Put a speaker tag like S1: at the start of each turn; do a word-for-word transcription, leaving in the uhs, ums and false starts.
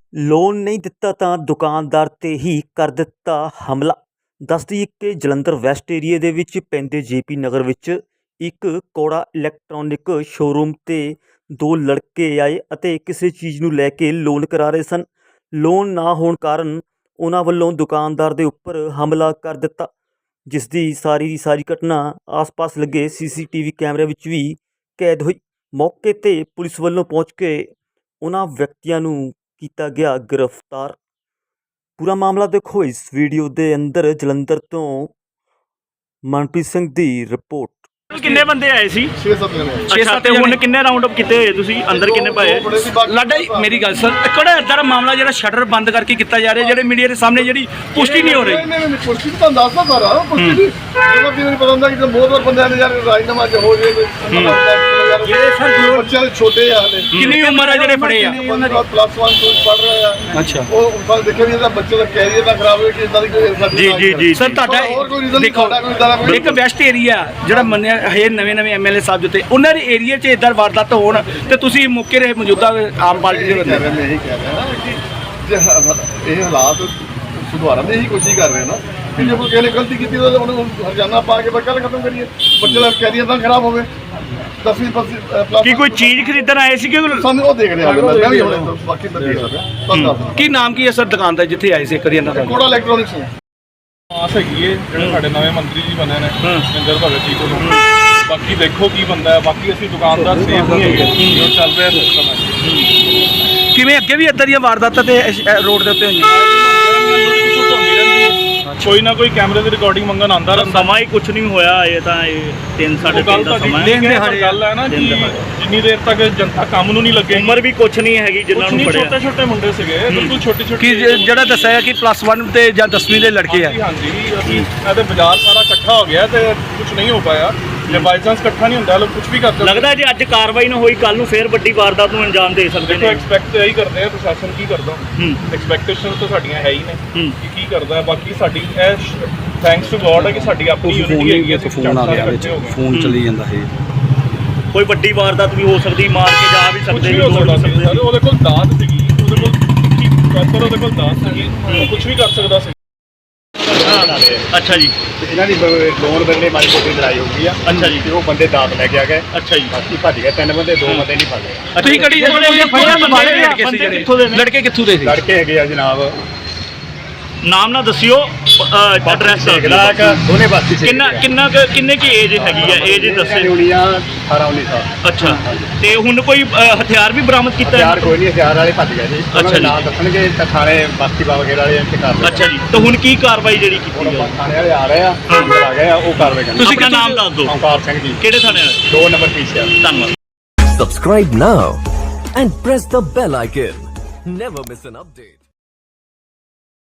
S1: Loan ਨਹੀਂ ਦਿੱਤਾ ਤਾਂ ਦੁਕਾਨਦਾਰ 'ਤੇ ਹੀ ਕਰ ਦਿੱਤਾ ਹਮਲਾ। ਦੱਸ ਦਈਏ ਕਿ ਜਲੰਧਰ ਵੈਸਟ ਏਰੀਏ ਦੇ ਵਿੱਚ ਪੈਂਦੇ ਜੇ ਪੀ ਨਗਰ ਵਿੱਚ ਇੱਕ ਕੋੜਾ ਇਲੈਕਟ੍ਰੋਨਿਕ ਸ਼ੋਰੂਮ 'ਤੇ ਦੋ ਲੜਕੇ ਆਏ ਅਤੇ ਕਿਸੇ ਚੀਜ਼ ਨੂੰ ਲੈ ਕੇ ਲੋਨ ਕਰਾ ਰਹੇ ਸਨ। ਲੋਨ ਨਾ ਹੋਣ ਕਾਰਨ ਉਹਨਾਂ ਵੱਲੋਂ ਦੁਕਾਨਦਾਰ ਦੇ ਉੱਪਰ ਹਮਲਾ ਕਰ ਦਿੱਤਾ, ਜਿਸ ਦੀ ਸਾਰੀ ਦੀ ਸਾਰੀ ਘਟਨਾ ਆਸ-ਪਾਸ ਲੱਗੇ ਸੀ ਸੀ ਟੀ ਵੀ ਕੈਮਰੇ ਵਿੱਚ ਵੀ ਕੈਦ ਹੋਈ। ਮੌਕੇ 'ਤੇ ਪੁਲਿਸ ਵੱਲੋਂ ਪਹੁੰਚ ਕੇ ਉਹਨਾਂ ਵਿਅਕਤੀਆਂ ਨੂੰ ਕੀਤਾ ਗਿਆ गिरफ्तार। पूरा मामला देखो इस वीडियो दे अंदर। जलंधर तो मनप्रीत सिंह दी रिपोर्ट।
S2: किन्ने बंदे आए सी?
S3: छे सत्त जने
S2: अच्छा ते हुण किन्ने राउंड अप कीते होए तुसी? अंदर किन्ने पाए?
S4: लाडा मेरी गल सर किहड़ा इधर मामला जेहड़ा शटर बंद करके किया जा रहा है, जेहड़े मीडिया के सामने जेहड़ी पुष्टि नहीं हो रही।
S3: नहीं नहीं पुष्टि तो दसदा सारा पुष्टि नहीं मतलब कि नहीं पता ਹੁੰਦਾ कि बहुत बार बंदे ने यार राजनामा ज हो जाए
S4: ਜਿਹੜੇ ਸਰ
S3: बच्चे छोटे आ हले
S4: कितनी उम्र है जेहड़े फड़े आ?
S3: प्लस वन टू पढ़ रहे हैं।
S4: अच्छा
S3: वो बस देखिए भी ਇਹਦਾ ਬੱਚੇ ਦਾ ਕੈਰੀਅਰ ਦਾ ਖਰਾਬ ਹੋਇਆ ਕਿ ਇਦਾਂ ਦੀ ਕੋਈ
S2: जी जी जी
S4: ਸਰ ਤੁਹਾਡਾ ਦੇਖੋ ਇੱਕ ਵੈਸਟ ਏਰੀਆ ਜਿਹੜਾ ਮੰਨਿਆ ਹੈ ਨਵੇਂ ਨਵੇਂ ਐਮ ਐਲ ਏ ਸਾਹਿਬ ਜਿੱਤੇ ਉਹਨਾਂ ਦੇ ਏਰੀਆ 'ਚ ਇਦਾਂ ਵਾਰਦਾਤ ਹੋਣ ਤੇ ਤੁਸੀਂ ਮੌਕੇ ਰਹੇ ਮੌਜੂਦਾ ਆਮ ਪਾਰਟੀ ਦੇ ਬੰਦੇ
S3: ਮੈਂ ਇਹੀ ਕਹਿ ਰਿਹਾ ਨਾ ਕਿ ਜੇ ਇਹ ਹਾਲਾਤ ਸੁਧਾਰਨ ਦੀ ਹੀ ਕੋਸ਼ਿਸ਼ ਕਰ ਰਹੇ ਨਾ ਕਿ ਜੇ ਕੋਈ ਕਿਸੇ ਨੇ ਗਲਤੀ ਕੀਤੀ ਤਾਂ ਉਹਨੂੰ ਹਰਜਾਨਾ ਪਾ ਕੇ ਬੱਕਾ ਖਤਮ ਕਰੀਏ, ਬੱਚੇ ਦਾ ਕੈਰੀਅਰ ਤਾਂ ਖਰਾਬ ਹੋਵੇ। ਦਸਵੀਂ ਪਲੱਸ
S2: ਕੀ ਕੋਈ ਚੀਜ਼ ਖਰੀਦਣ ਆਏ ਸੀ ਕਿ
S3: ਸਾਨੂੰ ਉਹ ਦੇਖ ਰਿਹਾ ਮੈਂ ਵੀ ਹੁਣ ਬਾਕੀ ਤਾਂ ਦੇਖ ਰਿਹਾ।
S4: ਕੀ ਨਾਮ ਕੀ ਹੈ ਸਰ ਦੁਕਾਨ ਦਾ ਜਿੱਥੇ ਆਏ ਸੀ ਇੱਕ ਵਾਰੀ ਇਹਨਾਂ ਦਾ?
S3: ਕੋੜਾ ਇਲੈਕਟ੍ਰੋਨਿਕਸ
S5: ਆਸ ਹੈਗੀ ਏ ਜਿਹੜੇ ਸਾਡੇ ਨਵੇਂ ਮੰਤਰੀ ਜੀ ਬਣੇ ਨੇ ਮਹਿੰਦਰ ਭਗਤ ਜੀ ਕੋਲੋਂ। ਬਾਕੀ ਦੇਖੋ ਕੀ ਬੰਦਾ ਹੈ, ਬਾਕੀ ਅਸੀਂ ਦੁਕਾਨਦਾਰ ਸੇਫ ਨਹੀਂ ਹੈਗੇ ਜੋ ਚੱਲ ਰਿਹਾ ਸਿਸਟਮ ਹੈ।
S4: ਕਿਵੇਂ ਅੱਗੇ ਵੀ ਇਦਾਂ ਦੀਆਂ ਵਾਰਦਾਤਾਂ ਤੇ ਰੋਡ ਦੇ ਉੱਤੇ ਹੋਈਆਂ?
S5: ਕੋਈ ਨਾ ਕੋਈ ਕੈਮਰੇ ਦੀ ਰਿਕਾਰਡਿੰਗ ਮੰਗਣ ਆਉਂਦਾ ਰਹਿੰਦਾ।
S2: ਸਮਾਂ ਹੀ ਕੁਛ ਨਹੀਂ ਹੋਇਆ, ਇਹ ਤਾਂ ਇਹ ਤਿੰਨ ਸਾਢੇ ਤਿੰਨ ਦਾ ਸਮਾਂ ਹੈ।
S5: ਗੱਲ ਹੈ ਨਾ ਕਿ ਜਿੰਨੀ ਦੇਰ ਤੱਕ ਜਨਤਾ ਕੰਮ ਨੂੰ ਨਹੀਂ ਲੱਗੇ,
S2: ਉਮਰ ਵੀ ਕੁਛ ਨਹੀਂ ਹੈਗੀ ਜਿਨ੍ਹਾਂ ਨੂੰ ਫੜਿਆ।
S5: ਛੋਟੇ ਛੋਟੇ ਮੁੰਡੇ ਸੀਗੇ ਬਿਲਕੁਲ ਛੋਟੇ ਛੋਟੇ।
S4: ਕਿ ਜਿਹੜਾ ਦੱਸਿਆ ਹੈ ਕਿ ਪਲੱਸ ਵਨ ਤੇ ਜਾਂ ਦਸਵੀਂ ਦੇ ਲੜਕੇ ਆ।
S5: ਹਾਂਜੀ ਅਸੀਂ ਇਹਦੇ ਬਾਜ਼ਾਰ ਸਾਰਾ ਇਕੱਠਾ ਹੋ ਗਿਆ ਤੇ ਕੁਝ ਨਹੀਂ ਹੋ ਪਾਇਆ। ਜੇ ਬਾਈ ਚਾਂਸ ਇਕੱਠਾ ਨਹੀਂ ਹੁੰਦਾ ਲੋਕ ਕੁਝ ਵੀ ਕਰ ਸਕਦੇ।
S2: ਲੱਗਦਾ ਜੇ ਅੱਜ ਕਾਰਵਾਈ ਨਾ ਹੋਈ ਕੱਲ ਨੂੰ ਫੇਰ ਵੱਡੀ ਵਾਰਦਾਤ ਨੂੰ ਅੰਜਾਮ ਦੇ ਸਕਦੇ
S5: ਦੇਖੋ
S2: ਨੇ।
S5: ਐਕਸਪੈਕਟ ਇਹੀ ਕਰਦੇ ਆ ਪ੍ਰਸ਼ਾਸਨ ਕੀ ਕਰਦਾ। ਐਕਸਪੈਕਟੇਸ਼ਨ ਤਾਂ ਸਾਡੀਆਂ ਹੈ ਹੀ ਨੇ ਕਿ ਕੀ ਕਰਦਾ। ਬਾਕੀ ਸਾਡੀ ਇਹ ਥੈਂਕਸ ਟੂ ਗੋਡ ਹੈ ਕਿ ਸਾਡੀ ਆਪਣੀ ਯੂਨਿਟੀ ਹੈਗੀ ਹੈ।
S4: ਫੋਨ ਆ ਗਿਆ ਵਿੱਚ ਫੋਨ ਚੱਲੀ ਜਾਂਦਾ ਹੈ।
S2: ਕੋਈ ਵੱਡੀ ਵਾਰਦਾਤ ਵੀ ਹੋ ਸਕਦੀ, ਮਾਰ ਕੇ ਜਾ ਵੀ
S5: ਕੁਝ
S2: ਸਕਦੇ
S5: ਵੀ ਹੋ ਸਕਦਾ ਸੀ ਸਰ। ਉਹਦੇ ਕੋਲ ਦਾਤ ਸੀਗੀ, ਉਹਦੇ ਕੋਲ ਪ੍ਰੋਪਰ ਉਹਦੇ ਕੋਲ ਦਾਤ ਸੀਗੀ, ਕੁਝ ਵੀ ਕਰ ਸਕਦਾ ਸੀ।
S2: ਅੱਛਾ ਜੀ।
S6: ਇਹਨਾਂ ਦੀ ਲੋਨ ਬੰਦੇ ਮਾਰੀ ਛੋਟੀ ਲੜਾਈ ਹੋ ਗਈ ਆ।
S2: ਅੱਛਾ ਜੀ।
S6: ਤੇ ਉਹ ਬੰਦੇ ਦਾਤ ਲੈ ਕੇ ਆ ਗਏ।
S2: ਅੱਛਾ ਜੀ।
S6: ਬਾਕੀ ਭੱਜ ਗਏ ਤਿੰਨ ਬੰਦੇ, ਦੋ ਬੰਦੇ ਨਹੀਂ ਫੜ ਲਏ।
S4: ਤੁਸੀਂ ਕਿਹੜੀ
S2: ਬੰਦੇ ਕਿੱਥੋਂ ਦੇ ਨੇ?
S4: ਲੜਕੇ ਕਿੱਥੋਂ ਦੇ ਸੀ?
S6: ਲੜਕੇ ਹੈਗੇ ਆ ਜਨਾਬ,
S2: ਨਾਮ ਨਾ ਦੱਸਿਓ, ਐਡਰੈਸ
S6: ਦੋਨੇ ਬਾਤੀ ਸੀ।
S2: ਕਿੰਨਾ ਕਿੰਨਾ ਕੁ- ਕਿੰਨੇ ਕੀ ਏਜ ਹੈਗੀ ਆ? ਏਜ ਦੱਸੇ।
S6: ਉਨੀਆਂ ਅਠਾਰਾਂ ਉੱਨੀ ਸਾਲ।
S2: ਅੱਛਾ ਤੇ ਹੁਣ ਕੋਈ ਅ, ਹਥਿਆਰ ਵੀ ਬਰਾਮਦ ਕੀਤਾ ਹੈ?
S6: ਹਥਿਆਰ ਕੋਈ ਨਹੀਂ, ਹਥਿਆਰ ਵਾਲੇ ਭੱਜ ਗਏ ਜੀ।
S2: ਅੱਛਾ ਜੀ।
S6: ਨਾਂ ਦੱਸਣਗੇ ਤਾਂ ਥਾਣੇ ਬਸਤੀ ਬਾਬਾ ਖੇੜ ਵਾਲੇ ਇੱਥੇ ਕਰ
S2: ਅੱਛਾ ਜੀ। ਤਾਂ ਹੁਣ ਕੀ ਕਾਰਵਾਈ ਜਿਹੜੀ ਕੀਤੀ
S6: ਹੁਣ
S2: ਹੈ?
S6: ਥਾਣੇ ਵਾਲੇ ਆ ਰਹੇ ਆ, ਅੰਦਰ ਆ ਗਏ ਆ, ਉਹ ਕਾਰਵਾਈ ਕਰਨਗੇ।
S2: ਤੁਸੀਂ ਆਪਣਾ ਨਾਮ ਦੱਸ ਦਿਓ।
S6: ਓਮਕਾਰ ਸਿੰਘ ਜੀ,
S2: ਕਿਹੜੇ ਥਾਣੇ ਵਾਲੇ?
S6: ਦੋ ਨੰਬਰ ਪੀਸੀਆ।
S2: ਧੰਨਵਾਦ।
S7: Subscribe now and press the bell icon. Never miss an update.